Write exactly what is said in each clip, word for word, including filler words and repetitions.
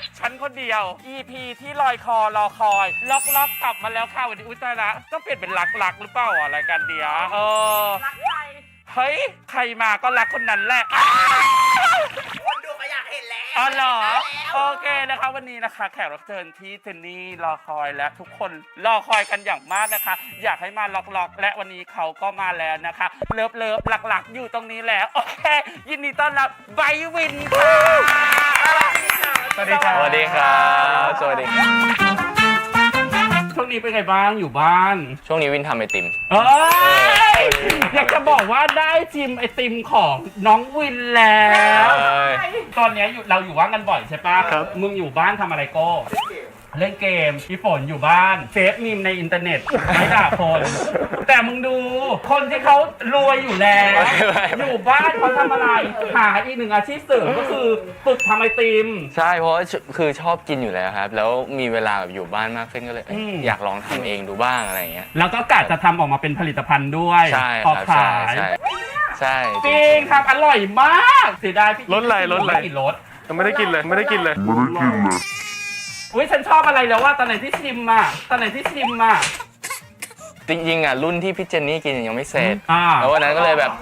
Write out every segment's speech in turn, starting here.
ฉันคนเดียว อี พี ที่ลอยคอรอคอยล็อกล็อกกลับมาแล้วค่ะวันนี้อุ้ยตายละต้องเปลี่ยนเป็นรักรักหรือเปล่าอ่ะรายการเดียวเออรักใครเฮ้ยใครมาก็รักคนนั้นแหละคนดูก็อยากเห็นแล้วอ๋อเหรอโอเคนะคะวันนี้นะคะแขกรับเชิญที่เจนนี่รอคอยและทุกคนรอคอยกันอย่างมากนะคะอยากให้มาล็อกล็อกและวันนี้เขาก็มาแล้วนะคะเลิฟเลิฟหลักๆอยู่ตรงนี้แล้วโอเคยินดีต้อนรับไบวินค่ะสวัสดีครับสวัสดีครับสวัสดีครับช่วงนี้เป็นไงบ้างอยู่บ้านช่วงนี้วินทำไอติมเอ้ยอยากจะบอกว่าได้ชิมไอติมของน้องวินแล้วตอนนี้เราอยู่ว่างกันบ่อยใช่ปะครับมึงอยู่บ้านทำอะไรโก้เล่นเกมพี่ฝนอยู่บ้านเซฟมีมในอินเทอร์เน็ตไม่ด่าคนแต่มึงดูคนที่เขารวยอยู่แล้วอยู่บ้านเขาทำอะไรหาอีกหนึ่งอาชีพเสริมก็คือฝึกทำไอติมใช่เพราะคือชอบกินอยู่แล้วครับแล้วมีเวลาแบบอยู่บ้านมากขึ้นก็เลยอยากลองทำเองดูบ้างอะไรเงี้ยแล้วก็กะจะทำออกมาเป็นผลิตภัณฑ์ด้วยออกขายใช่ใช่จริงครับอร่อยมากเสียดายพี่รสอะไรรสอะไรกี่รสยังไม่ได้กินเลยไม่ได้กินเลยไม่ได้กินเลยอุ้ยฉันชอบอะไรแล้วว่าตอนไหนที่ชิมอ่ะตอนไหนที่ชิมอ่ะจริงๆอ่ะรุ่นที่พี่เจนนี่กินยังไม่เสร็จอ่าแล้ววันนั้นก็เลยแบบ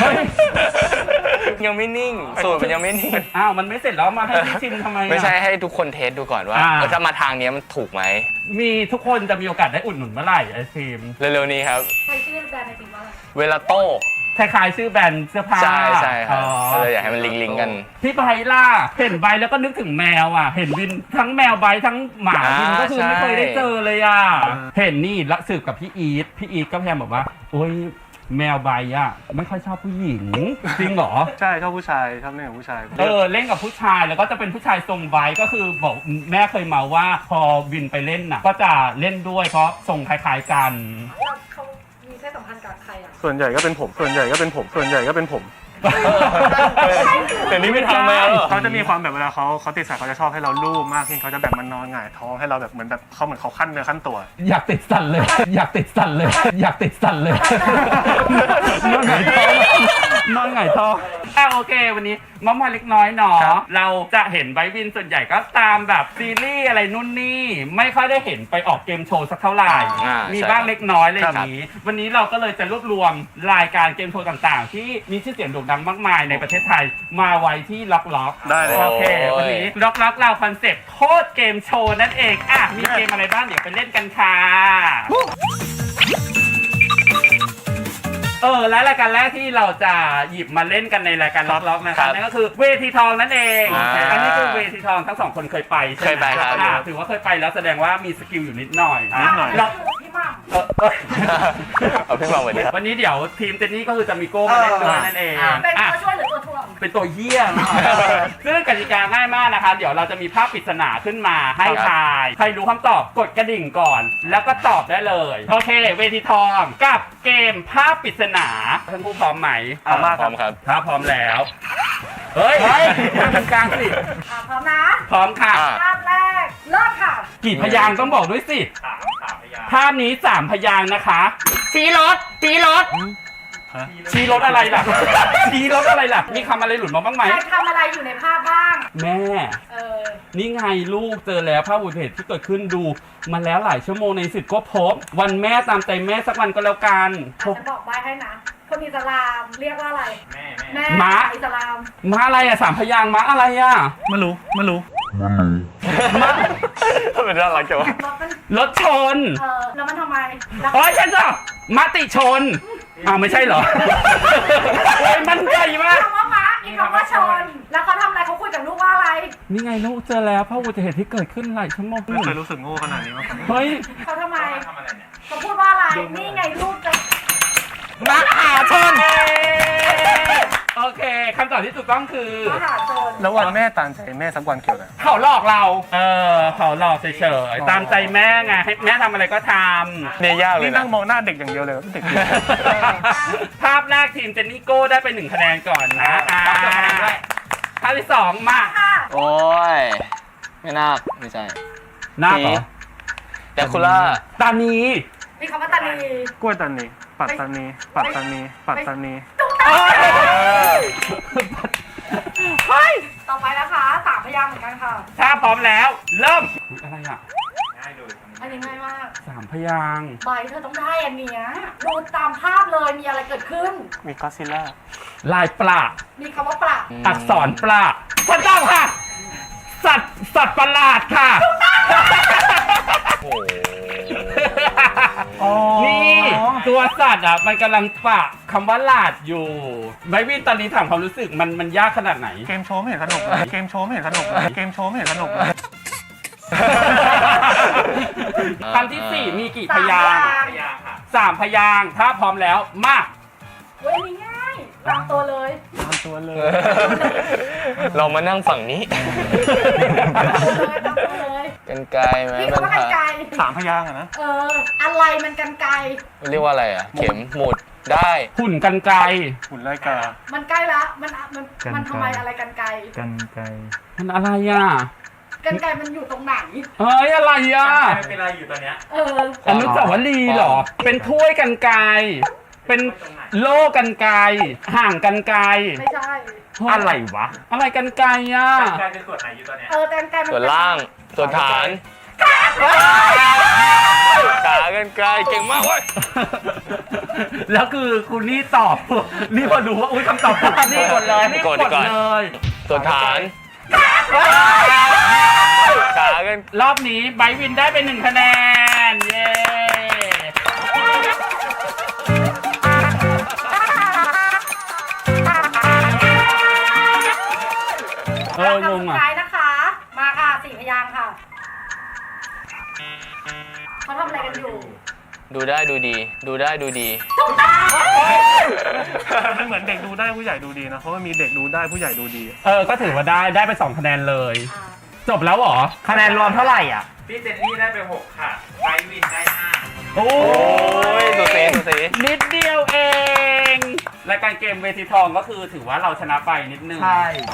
ยังไม่นิ่งสูตรมันยังไม่นิ่งอ้าวมันไม่เสร็จแล้วมาให้พี่ชิมทำไมไม่ใช่ให้ทุกคนเทสดูก่อนว่าถ้ามาทางนี้มันถูกไหมมีทุกคนจะมีโอกาสได้อุดหนุนเมื่อไหร่ไอซิมเร็วๆนี้ครับใครชื่อแบรนด์ไอติมว่าอะไรเวลาโต้คล้ายๆชื่อแบรนด์เสื้อผ้าใช่ใช่ครับเลยอยากให้มันลิงก์กันพี่ไบล่าเห็นไบแล้วก็นึกถึงแมวอ่ะเห็นวินทั้งแมวไบทั้งหมาวินก็คือไม่เคยได้เจอเลยอ่ะเห็นนี่ละสืบกับพี่อีทพี่อีทก็พยายามบอกว่าโอ้ยแมวไบอ่ะไม่ค่อยชอบผู้หญิงจริงเหรอใช่ชอบผู้ชายชอบเล่นกับผู้ชายเออเล่นกับผู้ชายแล้วก็จะเป็นผู้ชายทรงไบก็คือบอกแม่เคยมาว่าพอวินไปเล่นน่ะก็จะเล่นด้วยเพราะทรงคล้ายๆกันเขามีเพศสัมพันธ์กับใครอ่ะส่วนใหญ่ก็เป็นผมส่วนใหญ่ก็เป็นผมส่วนใหญ่ก็เป็นผมแต่นี่ไม่ทำแล้วเขาจะมีความแบบเวลาเขาเขาติดสายเขาจะชอบให้เราลูบมากขึ้นเขาจะแบบมันนอนหงายท้องให้เราแบบเหมือนแบบเขาเหมือนเขาขั้นเนื้อขั้นตัวอยากติดสั่นเลยอยากติดสั่นเลยอยากติดสั่นเลยนอนหงายท้องนอนหงายท้องอ่ะโอเควันนี้มอมอยเล็กน้อยเนาะเราจะเห็นไบวินส่วนใหญ่ก็ตามแบบซีรีส์อะไรนู่นนี่ไม่ค่อยได้เห็นไปออกเกมโชว์สักเท่าไหร่มีบ้างเล็กน้อยเลยอย่างนี้วันนี้เราก็เลยจะรวบรวมรายการเกมโชว์ต่างๆที่มีชื่อเสียงโด่งดังมากมายในประเทศไทยมาไว้ที่ล็อกล็อกได้เลยโอเควันนี้ล็อกล็อกเราคอนเซ็ปต์โคตรเกมโชว์นั่นเองอ่ะมีเกมอะไรบ้างเดี๋ยวไปเล่นกันค่ะเออและรายการแรกที่เราจะหยิบมาเล่นกันในรายการล็อกล็อกนะครับนั่นก็คือเวทีทองนั่นเองอันนี้คือเวทีทองทั้งสองคนเคยไปใช่ไหมเคยไปครับถือว่าเคยไปแล้วแสดงว่ามีสกิลอยู่นิดหน่อยนิดหน่อยแล้วพี่มั่งเออเออเอาพี่มาวันนี้ครับวันนี้เดี๋ยวทีมเจนนี่ก็คือจะมีโก้มาเล่นด้วยนั่นเองเป็นตัวช่วยหรือตัวถ่วงเป็นตัวเหี้ยซึ่งกติกาง่ายมากนะคะเดี๋ยวเราจะมีภาพปริศนาขึ้นมาให้ทายใครรู้คำตอบกดกระดิ่งก่อนแล้วก็ตอบได้เลยโอเคเวทีทองกับเกมภาพปริศนาท่านผู้พร้อมไหมพร้อมมากพร้อมครับถ้าพร้อมแล้วเฮ้ยทางกลางสิพร้อมนะพร้อมค่ะภาพแรกเริ่มค่ะกี่พยางค์ต้องบอกด้วยสิภาพนี้สามพยางค์นะคะชี้รถชี้รถชี้รถอะไรล่ะชี้รถอะไรล่ะมีคำอะไรหลุดมาบ้างไหมใครทำอะไรอยู่ในภาพบ้างแม่เออนี่ไงลูกเจอแล้วภาพอุบัติเหตุที่เกิดขึ้นดูมาแล้วหลายชั่วโมงในสิทธิ์ก็พบวันแม่ตามใจแม่สักวันก็แล้วกันฉันบอกใบ้ให้นะคนอิสลามเรียกว่าอะไรแม่แม่ม้าอิสลามม้าอะไรอ่ะสามพยางค์ม้าอะไรอ่ะไม่รู้ไม่รู้ม้าเป็นน่ารักจังวะรถชนเออแล้วมันทำไมโอ้ยฉันจะมติชนอ้าวไม่ใช่เหรอโอ้ยมันใหญ่มากคำว่าม้าอีกคำว่าชนแล้วเขาทำอะไรเขาคุยกับลูกว่าอะไรนี่ไงลูกเจอแล้วภาพอุบัติเหตุที่เกิดขึ้นหลายชั่วโมงไม่เคยรู้สึกโง่ขนาดนี้มาก่อนเฮ้ยเขาทำไมเขาพูดว่าอะไรนี่ไงลูกจะมหาชนโอเคคำตอบที่ถูกต้องคือมหาชนแล้ววันแม่ตามใจแม่สักวันเกี่ยวอะไรเขาหลอกเราเออเขาหลอกเฉยๆตามใจแม่ไงให้แม่ทำอะไรก็ทำเนี่ยยากเลยนี่นั่งมองหน้าเด็กอย่างเดียวเลยเด็กภาพแรกทีมเจนนี่โก้ได้ไปหนึ่งคะแนนก่อนนะภาพที่สองมาโอ้ยไม่น่าไม่ใช่น่าเหรอแต่คุล่าตานีมีคำว่าตานีกล้วยตานีปัตตานีปัตตานีปัตตานีเฮ้ยต่อไปนะคะสามพพยางค์เหมือนกันค่ะถ้าพร้อมแล้ว เริ่มอะไรอ่ะอันนี้ง่ายมากสามพยางค์ใบเธอต้องได้อันเนี้ยดูตามภาพเลยมีอะไรเกิดขึ้นมีก็ซิล่าลายปลามีคำว่าประอักษรปลาถูกต้องค่ะ สัตว์สัตว์ประหลาดค่ะโอ้โหนี่ตัวสัตว์อ่ะมันกำลังปะคำว่าหลาดอยู่ไบวินตอนนี้ถามความรู้สึกมันมันยากขนาดไหนเกมโชว์ไม่เห็นสนุกเลยเกมโชว์ไม่เห็นสนุกเลยเกมโชว์ไม่เห็นสนุกเลยคำที่สี่มีกี่พสามยางค์พยางค์สามพยางค์ถ้าพร้อมแล้วมาเว้ยอันนี้ง่ายตามตัวเลยตามตัวเลยเรามานั่งฝั่งนี้ตามตัวเลยตามตัวเลยกันไกลไหมพี่มัคำว่ากันไกรสามพยางค์อะนะเอออะไรมันกันไกรเรียกว่าอะไรอ่ะ เข็มหมุดได้หุ่นกันไกรหุ่นไล่กามันใกล้ละมันมันกันไกรมันทำไมอะไรกันไกรกันไกลมันอะไรอ่ะกันไกรมันอยู่ตรงไหนเฮ้ยอะไรอ่ะเป็นอะไรอยู่ตอนเนี้ยเอออนุสาวรีย์เหรอ เป็นถ้วยกันไกรเป็นโล่กันไกรห่างกันไกรไม่ใช่อะไรวะ อะไรกันไกรอ่ะกลายเป็นส่วนไหนอยู่ตอนเนี้ยเออแต่กันไกรมันส่วนล่าง ส่วนฐาน ขากันไกลเก่งมากเว้ยแล้วคือคุณนี่ตอบ นี่พอรู้ว่าอุ้ยคำตอบถูกนี่กดเลยนี่กดเลยส่วนฐาน ขากันรอบนี้ไบร์ทวินได้ไปหนึ่งคะแนน เย้ เอองงสุดอ่ะท้ายนะคะ มาค่ะสี่พยางค์ค่ะเขาทำอะไรกันอยู่ดูได้ดูดี ดูได้ดูดีมันเหมือนเด็กดูได้ผู้ใหญ่ดูดีนะ เพราะว่ามีเด็กดูได้ผู้ใหญ่ดูดีเออ ก็ถือว่าได้ได้ไปสองคะแนนเลยอ่าจบแล้วเหรอ คะแนนรวมเท่าไหร่อ่ะพี่เจนนี่ได้ไปหกค่ะไบรท์วินได้ห้าโอ้โอ้ยตัวเซตัวเซนิดเดียวเองรายการเกมเวทีทองก็คือถือว่าเราชนะไปนิดนึงใช่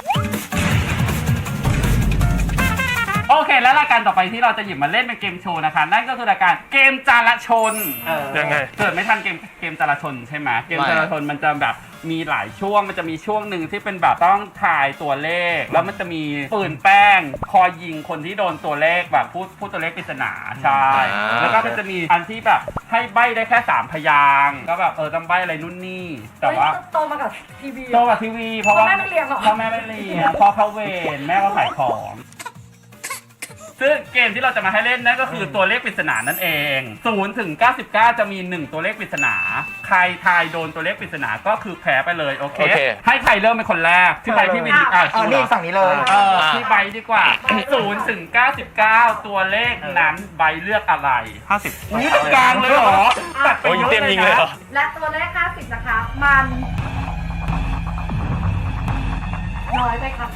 โอเค แล้วรายการต่อไปที่เราจะหยิบมาเล่นเป็นเกมโชว์นะคะ นั่นก็คือรายการเกมจารชนเออยังไงเกิดไม่ทันเกมเกมจารชนใช่ไหมเกมจารชนมันจะแบบมีหลายช่วงมันจะมีช่วงหนึ่งที่เป็นแบบต้องถ่ายตัวเลข แล้วมันจะมีปืนแป้งคอยยิงคนที่โดนตัวเลขแบบพูดพูดตัวเลขปริศนาใช่อ่าแล้วก็มันจะมีอันที่แบบให้ใบ้ได้แค่สามพยางค์ก็แบบเออต้องใบ้อะไรนู่นนี่แต่ว่าเฮ้ยโตมากับทีวีโตกับทีวีเพราะว่าพ่อแม่ไม่เลี้ยงเหรอพ่อแม่ไม่เลี้ยงพ่อเข้าเวรแม่ก็ขายของ ซึ่งเกมที่เราจะมาให้เล่นนั่นก็คือตัวเลขปริศนานั่นเองศูนย์ถึงเก้าสิบเก้าจะมีหนึ่งตัวเลขปริศนา ใครทายโดนตัวเลขปริศนาก็คือแพ้ไปเลยโอเคโอเคให้ใครเริ่มเป็นคนแรกที่ใบพี่วินอ่ะอ๋อนี่ฝั่งนี้เลยเออที่ใบดีกว่าศูนย์ถึงเก้าสิบเก้าตัวเลขนั้นใบเลือกอะไรห้าสิบนี่ตรงกลางเลยเหรอตัดไปโอ้ยเยอะเต็มเลยยิงเลยนะเหรอและตัวเลขห้าสิบนะคะ มันน้อยไปค่ะ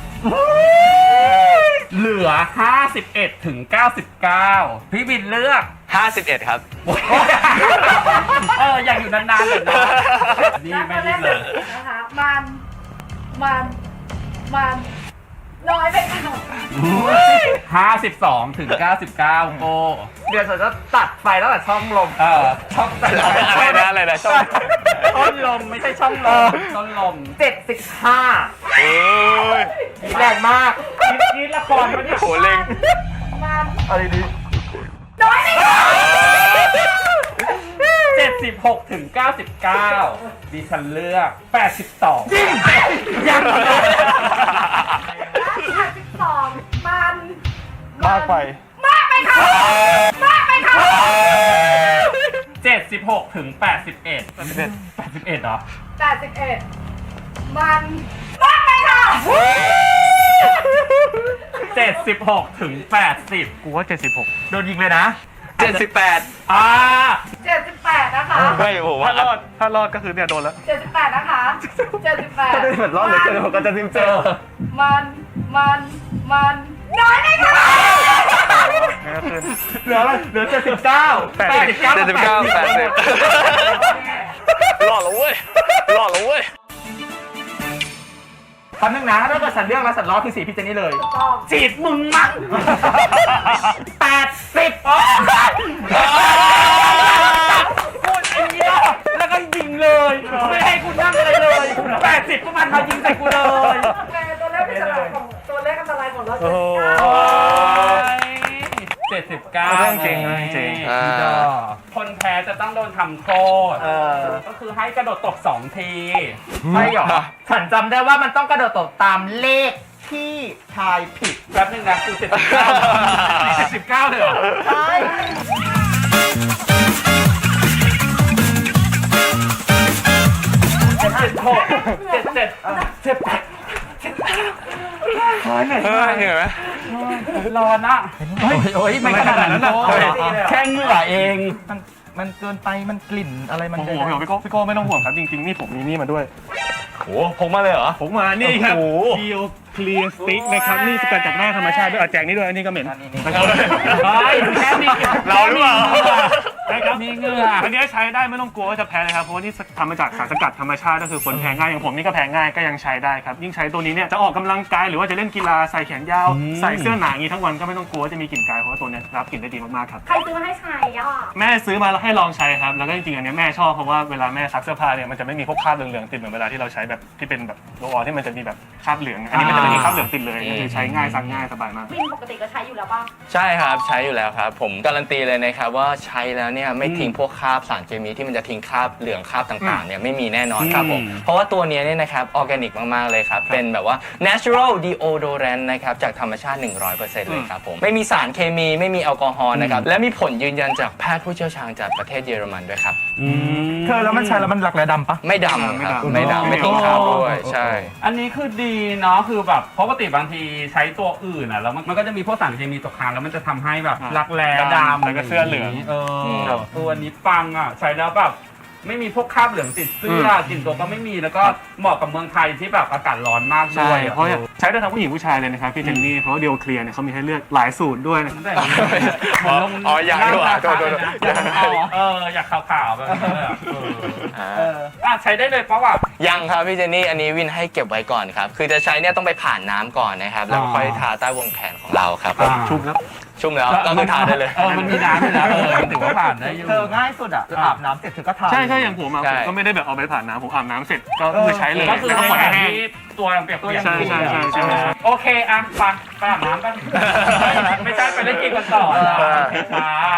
เหลือห้าสิบเอ็ดถึงเก้าสิบเก้าพี่วินเลือกห้าสิบเอ็ดครับเอออยากอยู่นานๆเลยนะนี่และไม่ตัวเลได้ขเลยนะคะ มัน มัน มันน้อยไปค่ะห้าสิบสองถึงเก้าสิบเก้าโกเดี๋ยวฉันจะตัดไฟแล้วแต่ช่องลมเออช่องต้นลมอะไรนะอะไรนะช่องต้นลมไม่ใช่ช่องลมต้นลมเจ็ดสิบห้าเอ้ยแรงมากคิดคิดละครมาเนี่ยโหเล็งมันอะไรดีน้อยไปค่ะเจ็ดสิบหกถึงเก้าสิบเก้าดิฉันเลือกแปดสิบสองยังเลยและสิบสองมันมากไปมากไปค่ะ มากไปค่ะเจ็ดสิบหกถึงแปดสิบเอ็ดแปดสิบเอ็ดแปดสิบเอ็ดเหรอแปดสิบเอ็ดมันมากไปค่ะเจ็ดสิบหกถึงแปดสิบกูว่าเจ็ดสิบหกโดนยิงเลยนะเจ็ดสิบแปดอ่าเจ็ดสิบแปดนะคะไม่ผมว่าถ้ารอด ถ้ารอดก็คือเนี่ยโดนแล้วเจ็ดสิบแปดนะคะเจ็ดสิบแปดเหมือนรอดเลยเจอผมก็จะซิมเจอมัน มัน มันน้อยไปค่ะนี่ก็คือเหลืออะไรเหลือเจ็ดสิบเก้าแปดสิบเก้าเจ็ดสิบเก้าแปดสิบรอดแล้วเว้ยรอดแล้วเว้ยแป๊บนึงนะถ้าเกิดฉันเลือกแล้วฉันรอดคือสีพี่เจนนี่เลยต้องจีบมึงมั้งแปดสิบพูดไอ้เนี้ยแล้วก็ยิงเลย ไม่ให้กูนั่งอะไรเลยแปดสิบก็มันมายิงใส่กูเลยโอเคตัวเลขพิเศษของตัวเลขอันตรายของเราโอ้โหจ็ดสิบเก้าเรื่องจริงเรื่องจริงอ่าคนแพ้จะต้องโดนทำโทษเออก็คือให้กระโดดตกสองทีไม่หรอฉันจำได้ว่ามันต้องกระโดดตกตามเลขที่ทายผิดแป๊บนึงนะกูเจ็ดสิบเก้าเจ็ดสิบเก้าเลยเหรอใช่เจ็ดเจ็ดหกเจ็ดเจ็ดเจ็ดแปดเออเห็นไหมร้อนอ่ะเฮ้ยโอ้ยไม่ขนาดนั้นนะแค่เหงื่อเองมันมันเกินไปมันกลิ่นอะไรมันโอ้โหพี่โก้พี่โก้พี่โก้ไม่ต้องห่วงครับจริงๆนี่ผมมีนี่มาด้วยโหพกมาเลยเหรอผมมานี่ครับโอ้โห Bio Clear Stick นะครับนี่สกัดจากหน้าธรรมชาติด้วยเอาแจกนี่ด้วยอันนี้ก็เหม็นเฮ้ยแค่มีเราหรือเปล่าใช่ครับมีเหงื่ออันนี้ใช้ได้ไม่ต้องกลัวว่าจะแพ้เลยครับเพราะว่าที่ทำมาจากสารสกัดธรรมชาติก็คือคนแพ้ง่ายอย่างผมนี่ก็แพ้ง่ายก็ยังใช้ได้ครับยิ่งใช้ตัวนี้เนี่ยจะออกกำลังกายหรือว่าจะเล่นกีฬาใส่แขนยาวใส่เสื้อหนาอย่างนี้ทั้งวันก็ไม่ต้องกลัวว่าจะมีกลิ่นกายเพราะว่าตัวเนี้ยรับกลิ่นได้ดีมากๆครับใครซื้อมาให้ใช้อ่ะแม่ซื้อมาแล้วให้ลองใช้ครับแล้วก็จริงๆอันเนี้ยแม่ชอบเพราะว่าเวลาแม่ซักเสื้อผ้าเนี่ยมันจะไม่มีพวกคราบเหลืองๆติดเหมือนเวลาที่เราใช้แบบที่เป็นแบบโรลออนที่มันจะมีแบบคราบเหลืองอันนี้มันจะไม่มีคราบเหลืองติดเลยก็คือใช้ง่ายซักง่ายสบายมากวินปกติก็ใช้อยู่แล้วป่ะใช่ครับใช้อยู่แล้วครับ ผมการันตีเลยนะครับว่าใช้แล้วเนี่ยไม่ทิ้งพวกคราบสารเคมีที่มันจะทิ้งคราบเหลืองคราบต่างๆเนี่ยไม่มีแน่นอนครับผมเพราะว่าตัวเนี้ยเนี่ยนะครับออร์แกนิกมากๆเลยครับเป็นแบบว่า natural deodorant นะครับจากธรรมชาติ หนึ่งร้อยเปอร์เซ็นต์ เลยครับผมไม่มีสารเคมีไม่มีแอลกอฮอล์นะครับและมีผลยืนยันจากแพทย์ผู้เชี่ยวชาญจากประเทศเยอรมันด้วยครับเธอแล้วมันใช้แล้วมันหลักแร้ดำปะไม่ดำครับไม่ไม่ดำดำไม่ทิ้งคราบด้วยใช่อันนี้คือดีเนาะคือแบบปกติบางทีใช้ตัวอื่นอ่ะแล้วมันมันก็จะมีพวกสารเคมีตกค้างแล้วมันจะทำให้แบบรักแร้ดำดำแล้วก็เสื้อเหลืองเอครัอบ ตัวนี้ปังอ่ะใช้แล้วแบบไม่มีพวกคราบเหลืองติดเสื้อกลิ่นตัวก็ไม่มีแล้วก็เหมาะกับเมืองไทยที่แบบอากาศร้อนมากด้ใช่วยเพราะใช้ได้ทั้งผู้หญิงผู้ชายเลยนะครับพี่เจนนี่เพราะว่าเดียวเคลียร์เนี่ยเขามีให้เลือกหลายสูตรด้วยนะแต่อย่างนี้อ๋ออ๋ออยากด้วยโทษโทษโทษอยากขาวๆเอออยากขาวๆแบบนี้เลยอะเอออ่าเอออ่ะใช้ได้เลยเพราะว่ายังครับพี่เจนนี่อันนี้วินให้เก็บไว้ก่อนครับ คือจะใช้เนี่ยต้องไปผ่านน้ำก่อนนะครับ แล้วค่อยทาใต้วงแขนของเราครับผมอ่าชุบแล้วชุ่มแล้วก็คือทาได้เลยเออมันมีน้ำอยู่แล้วเออมันถือว่าผ่านได้อยู่เธอง่ายสุดอ่ะอาบน้ำเสร็จเธอก็ทาใช่ใช่อย่างผมอะใช่ผมก็ไม่ได้แบบเอาไปผ่านน้ำผมอาบน้ำเสร็จก็คือใช้เลยก็คือแล้วก็ในปล่อยขณะให้แห้งที่ตัวยังเปียกๆใช่ใช่ใช่ใช่ใช่โอเคอ่ะไปไปอาบน้ำกันไม่ใช่ไปเล่นเกมกันต่อนะไป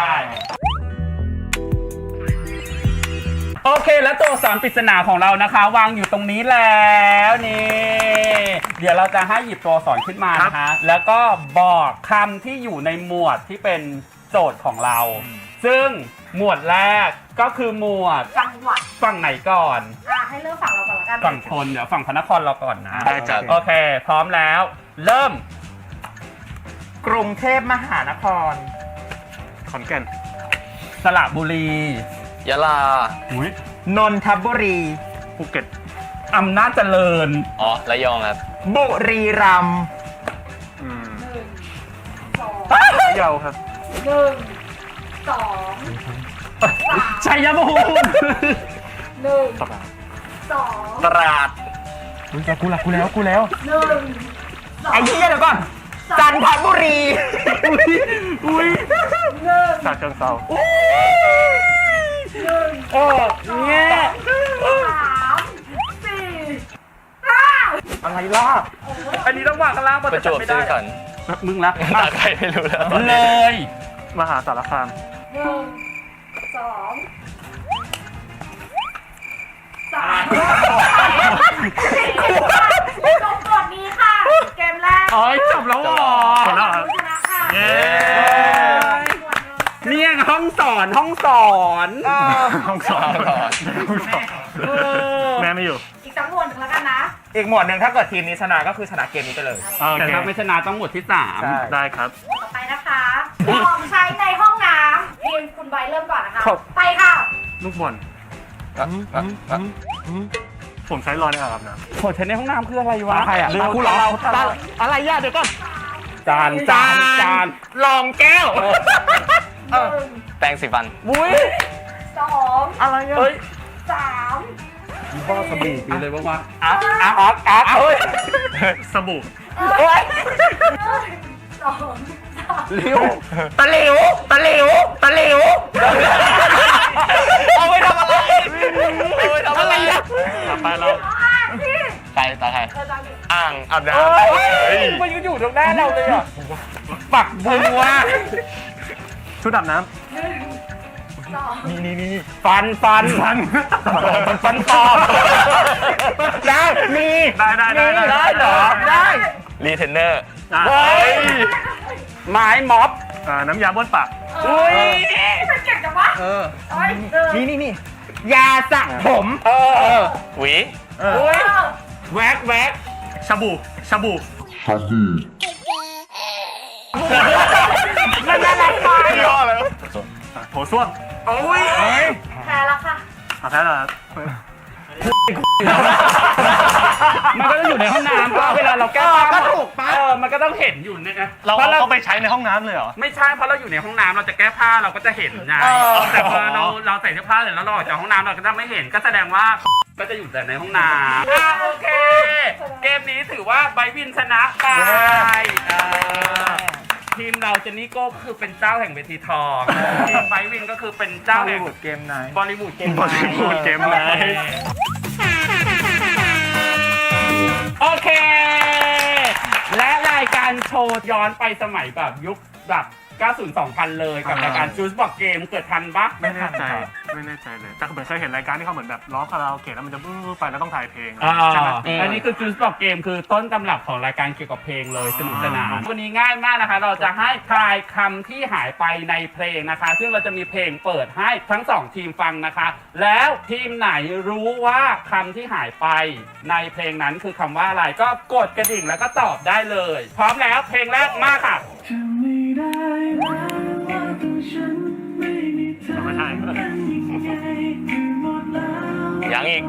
โอเคแล้วตัวอักษรปริศนาของเรานะคะ วางอยู่ตรงนี้แล้วนี่เดี๋ยวเราจะให้หยิบตัวอักษรขึ้นมานะคะแล้วก็บอกคำที่อยู่ในหมวดที่เป็นโจทย์ของเรา ซึ่งหมวดแรกก็คือหมวดจังหวัดฝั่งไหนก่อนอ่ะให้เลือกฝั่งเราก่อนละกันฝั่งทนเดี๋ยวฝั่งพระนครเราก่อนนะได้ครับโอเค พร้อมแล้ว เริ่มกรุงเทพมหานครขอนแก่นสระบุรียะลาอุ้ยนนทบุรีภูเก็ตอำนาจเจริญอ๋อระยองครับบุรีรัมย์อืมหนึ่งสองพะเยาครับหนึ่งสองสามชัยภูมิหนึ่งตราดสองตราดอุ้ยกูละกูแล้วกูแล้วหนึ่งสองไอ้เหี้ยเดี๋ยวก่อน จันทบุรีอุ้ยหนึ่งฉะเชิงเทราหนึ่งโอ้เงี้ยสามสี่ห้าอะไรล่ะอันนี้ต้องวางกันล่างประจวบไม่ซีได้รีขันธ์มึงละตาใครไม่รู้แล้วเลยมหาสารคามหนึ่งสองสามจบกดนี้ค่ะ เกมแรกโอ้ยจบแล้วเหรอจบแล้วเหรอชนะค่ะเย้เนี่ยห้องสอนห้องสอนห้องสองห้องสองเออแม่ไม่อยู่อีกสักหมวดหนึ่งแล้วกันนะอีกหมวดหนึ่งถ้าเกิดทีมนี้ชนะก็คือชนะเกมนี้ไปเลยโอแต่เคถ้าไม่ชนะต้องหมวดที่สามใช่ได้ครับต่อไปนะคะของใช้ในห้องน้ำทีมคุณใบเริ่มก่อนนะคะครับไปค่ะลูกบอลผมใช้รอในอ่างอาบน้โหใช้ในห้องน้ำคืออะไรวะใครอ่ะเรื่องกูเหรอตาอะไรย่าเดี๋ยวก่อนจานจานจานลองแก้วหนึ่งแปรงสีฟันอุ้ยสองอะไรอ่ะเฮ้ยสามบ้าสบู่ปีเลยบ้างวะอาร์ตอาร์ตอาร์ตอาร์ตเฮ้ยำสบู่โอ้ยสองสามเร็วตะหลิวตะหลิวตะหลิวเอาไปทำอะไรเอาไปทำอะไรอะต่อไปเราอ่านที่ใครตาใครเออตามดิอ่างอาบน้ำเฮ้เฮ้ยยมันอยู่ตรงหน้าเราเลยอ่ะปักบัวชุดอาบน้หนึ่งสองนี่นี่นี่ฟันฟันำฟันฟันฟันปลอมได้มีได้ได้ได้มีได้เหรอได้รีเทนเนอร์อ่ะเฮ้ยไม้ม็อบอ่าน้ำยาบ้วนปากอุ้ยมันเก่งจังวะเออเอ้ยหนึ่งนี่นี่นี่ยาสระผมเออหวีเอออุ้ยเออแวกแวกชาบูชาบูมันอะไรไปย่อแล้วอ่ะโถส้วมโอ้ยแพ้แล้วค่ะอ่ะแพ้แล้วครับมันก็ต้องอยู่ในห้องน้ำป่ะเวลาเราแก้ผ้าก็ถูกปะเออมันก็ต้องเห็นอยู่เนี่ยนะเราเพราะเราเอาไปใช้ในห้องน้ำเลยเหรอไม่ใช่เพราะเราอยู่ในห้องน้ำเราจะแก้ผ้าเราก็จะเห็นไงเออแต่พอเราเราใส่เสื้อผ้าเสร็จแล้วเราออกจากห้องน้ำเราก็จะไม่เห็นก็แสดงว่าก็จะอยู่แต่ในห้องน้ำอ่ะโอเค เกมนี้ถือว่าไบวินชนะไปเออทีมเราเจนนี่โก้ก็คือเป็นเจ้าแห่งเวทีทองทีมไบวินก็คือเป็นเจ้าแห่งเกมไหนบอลลีวูดเกมบอลลีวูดเกมไนท์โอเค และรายการโชว์ย้อนไปสมัยแบบยุคแบบเก้าสิบ สองพันเลยกับรายการจูสบอกเกมเกิดทันปะไม่แน่ใจไม่แน่ใจเลยแต่เหมือนเคยเห็นรายการที่เขาเหมือนแบบร้องคาราโอเกะแล้วมันจะบู๊ไปแล้วต้องถ่ายเพลงอ่าใช่ไหมอันนี้คือจูสบอกเกมคือต้นตำรับของรายการเกี่ยวกับเพลงเลยสนุกสนานวันนี้ง่ายมากนะคะ เราจะให้ทายคำที่หายไปในเพลงนะคะ ซึ่งเราจะมีเพลงเปิดให้ทั้งสองทีมฟังนะคะ แล้วทีมไหนรู้ว่าคำที่หายไปในเพลงนั้นคือคำว่าอะไรก็กดกระดิ่งแล้วก็ตอบได้เลย พร้อมแล้วเพลงแรกมาค่ะไม่ใช่ยังอีก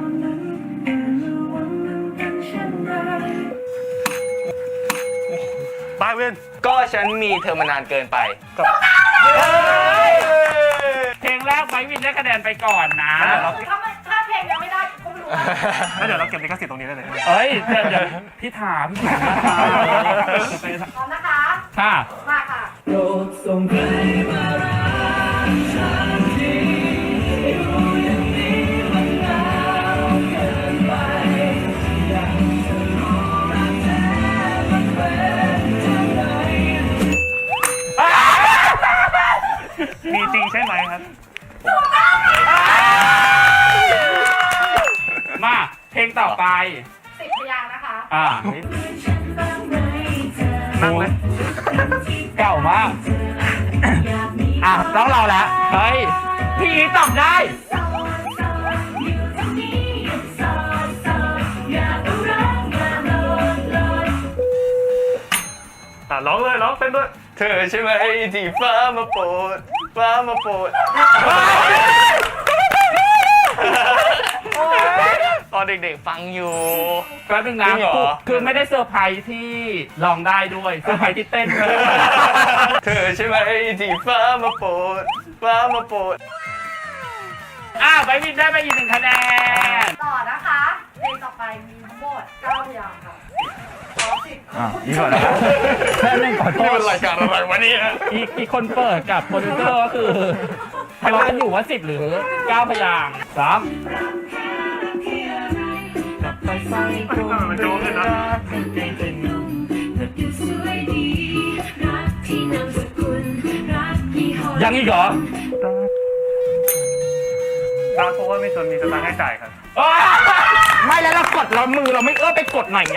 บายเวนก็ฉันมีเธอมานานเกินไปเพลงแรกไบวินได้คะแนนไปก่อนนะถ้าไม่ถ้าเพลงยังไม่ได้ก็ไม่รู้ว่าแล้วเดี๋ยวเราเก็บลิขสิทธิ์ตรงนี้ได้เลยเอ้ยเดี๋ยวเดี๋ยวพี่ถามพี่ถามพี่ถามพร้อมนะคะค่ะมาค่ะมีจริงใช่ไหมครับมาเพลงต่อไปสิบพยางค์นะคะอ่านั่งเลยเก่ามาก อ่ะต้องเราแล้วเฮ้ยพี่นี้ตอบได้อ่ะร้องเลยร้องเต้นด้วยเธอใช่ไหมที่ฟ้ามาโปรดฟ้ามาโปรดตอนเด็กๆฟังอยู่แป๊บนึงนะจริงเหรอคือไม่ได้เซอร์ไพรส์ที่ร้องได้ด้วยเซอร์ไพรส์ที่เต้นด้วยเธอใช่ไหมที่ฟ้ามาโปรดฟ้ามาโปรดอ่ะไบวินได้ไปอีกหนึ่งคะแนนต่อนะคะ เพลงต่อไปมีทั้งหมดเก้าพยางค์ค่ะขอสิบอ่ะนี่ก่อนนะแป๊บนึงขอโทนี่ษมันรายการอะไรวะเนี่ยอีกอีกคนเปิดกับโปรดิวเซอร์ก็คือทะเลาะกันอยู่ว่าสิบหรือเก้าพยางค์สามมันโจ๊กเลยนะยังอีกเหรอตาเพราะว่าไม่จนมีสตางค์ให้จ่ายครับอ้าวไม่แล้วเรากดเรามือเราไม่เอื้อไปกดหน่อยไง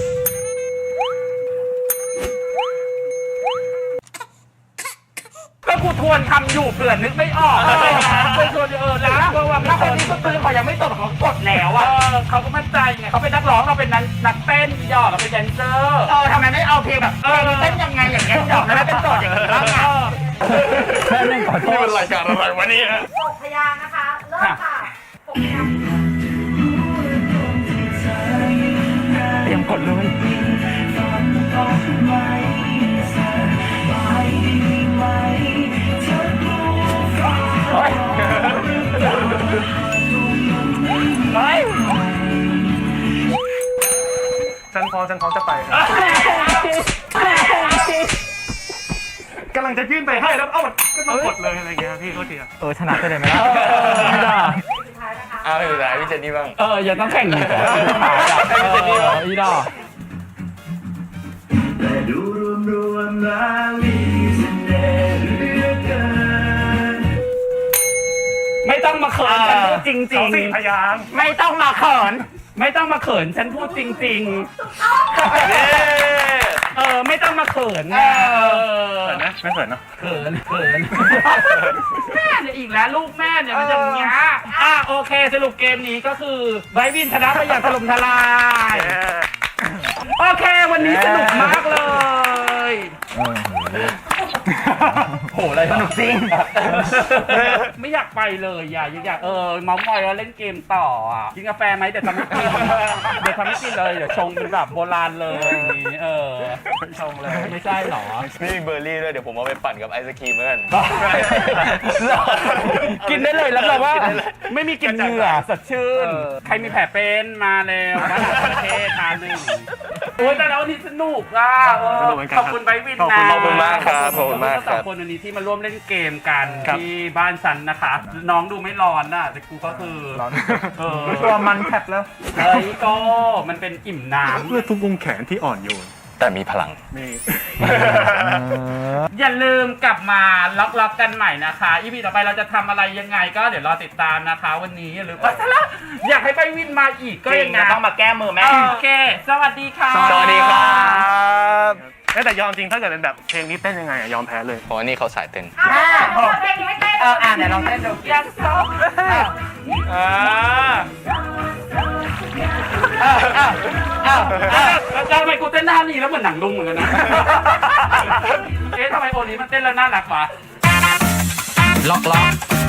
ก็กูทวนคำอยู่เผื่อนึกไม่ออกอะไรนะกูทวนเออแล้วเพราะว่าถ้าคนนี้ก็ตื่นเขายังไม่ตดเขากดแล้วเออ่ะอเขาก็มั่นใจไงเขาเป็นนักร้องเราเป็นนักนักเต้นยอดเราเป็นแดนเซอร์เออทำไมไม่เอาเพลงแบบเออเต้นยังไงอย่างเงี้ยดอกแล้วเป็นตดอย่างนี้บ้างอ่ะแม่เล่นขอโทนี่ษมันรายการอะไรวะเนี่ยหกพยางค์นะคะ เริ่มค่ะหกพยางค์เตรียมกดเลยเฮ้ยเฮ้ยฉันพร้อมฉันพร้อมจะไปครับกำลังจะยื่นไปให้แล้วเอ้ามันก็ต้องกดเลยอะไรเงี้ยพี่โทษทีอะเออชนะไปเลยไหมล่ะไม่ได้สุดท้ายนะคะเอาไปสุดท้ายพี่เจนนี่บ้างเอออย่าต้องแข่งอีกเหรอเอออีดอกแต่ดูรวมรวมแล้วมีเสน่ห์เหลือเกินขินฉันพูดจริงจริสอง งสี่พยางค์ไม่ต้องมาเขินไม่ต้องมาเขินฉันพูดจริง ๆ เออไม่ต้องมาเขินนะเออเขินไหมไม่เขินเนาะเขินเขินแม่เนี่ยอีกแล้วลูกแม่เนี่ยมันจะอย่างเงี้ยอ่ะโอเคสรุปเกมนี้ก็คือไบรท์วินชนะไปอย่างถล่มทลาย โอเค วันนี้สนุกมากเลยโหอะไรสนุกจริง ไม่อยากไปเลยอยากอยากเออเมาส์มอยแล้วเล่นเกมต่ออ่ะกินกาแฟไหมเดี๋ยวทำให้กินเดี๋ยวทำให้กินเลยเดี๋ยวชงเป็นแบบโบราณเลยอย่างนี้เออชงเลยไม่ใช่หรอนี่เบอร์รี่ด้วยเดี๋ยวผมเอาไปปั่นกับไอศครีมเหมือนกันกินได้เลยแล้วแบบว่าไม่มีกลิ่นเหงื่อสดชื่น ใครมีแผลเป็นมาแล้วมาหาประเทศทานหนึ่งโอ้ยแต่แล้ววันนี้สนุกอ่ะเออขอบคุณไบรท์วินนะขอบคุณมากครับขอบคุณมากทั้งคสอรังบคนวันนี้ที่มาร่วมเล่นเกมกันครับที่บ้านฉันนะคะ น้องดูไม่ร้อนน่ะแต่กูก็คือร้อนเออตัวมันแผบแล้วเฮ้ยก็มันเป็นอิ่มน้ำเพื่อทุกวงแขนที่อ่อนโยนแต่มีพลังนี่อย่าลืมกลับมาล็อกล็อกกันใหม่นะคะอีพีต่อไปเราจะทำอะไรยังไงก็เดี๋ยวรอติดตามนะคะ วันนี้อย่าลืมว่าละอยากให้ไปวินมาอีกก็ก็ยัยัง งไงต้องมาแก้มือแม่โอเค สวัสดีค่ะสวัสดีครับเอ้ยแต่ยอมจริงถ้าเกิดเป็นแบบเพลงนี้เต้นยังไงอะยอมแพ้เลยเพราะว่านี่เขาสายเต้นอ่ะเพลงนี้ไม่เต้นเอออ่านไหนลองเต้นดูยังซออ่าอ้าวอ้าวอ้าวอ้าวแล้วทำไมกูเต้นหน้านี่แล้วเหมือนหนังลุงเหมือนกันนะ เอ๊ะทำไมโอนี้มันเต้นแล้วน่ารักวะล็อกล็อก